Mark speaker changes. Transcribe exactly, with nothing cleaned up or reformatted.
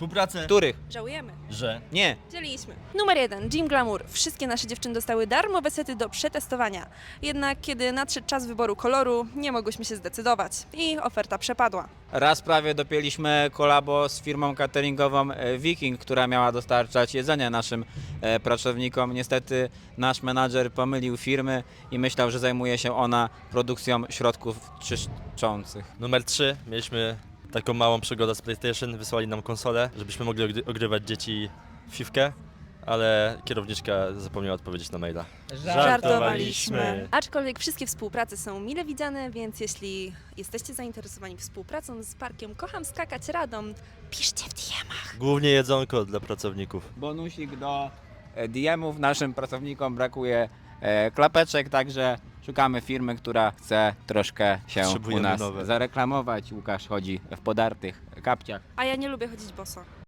Speaker 1: Współpracę,
Speaker 2: Których?
Speaker 3: Żałujemy.
Speaker 1: że
Speaker 2: Nie.
Speaker 3: Dzieliśmy. Numer jeden. Gym Glamour. Wszystkie nasze dziewczyny dostały darmowe sety do przetestowania. Jednak kiedy nadszedł czas wyboru koloru, nie mogłyśmy się zdecydować. I oferta przepadła.
Speaker 2: Raz prawie dopięliśmy kolabo z firmą cateringową e, Viking, która miała dostarczać jedzenie naszym e, pracownikom. Niestety nasz menadżer pomylił firmy i myślał, że zajmuje się ona produkcją środków czyszczących.
Speaker 1: numer trzy mieliśmy taką małą przygodę z PlayStation, wysłali nam konsolę, żebyśmy mogli ogry- ogrywać dzieci w fifkę, ale kierowniczka zapomniała odpowiedzieć na maila. Żartowaliśmy.
Speaker 3: Aczkolwiek wszystkie współprace są mile widziane, więc jeśli jesteście zainteresowani współpracą z parkiem Kocham Skakać Radom, piszcie w D M-ach.
Speaker 1: Głównie jedzonko dla pracowników.
Speaker 2: Bonusik do e, D M-ów. Naszym pracownikom brakuje e, klapeczek, także szukamy firmy, która chce troszkę się u
Speaker 1: Potrzebujemy
Speaker 2: nas
Speaker 1: nowe.
Speaker 2: zareklamować. Łukasz chodzi w podartych kapciach.
Speaker 3: A ja nie lubię chodzić boso.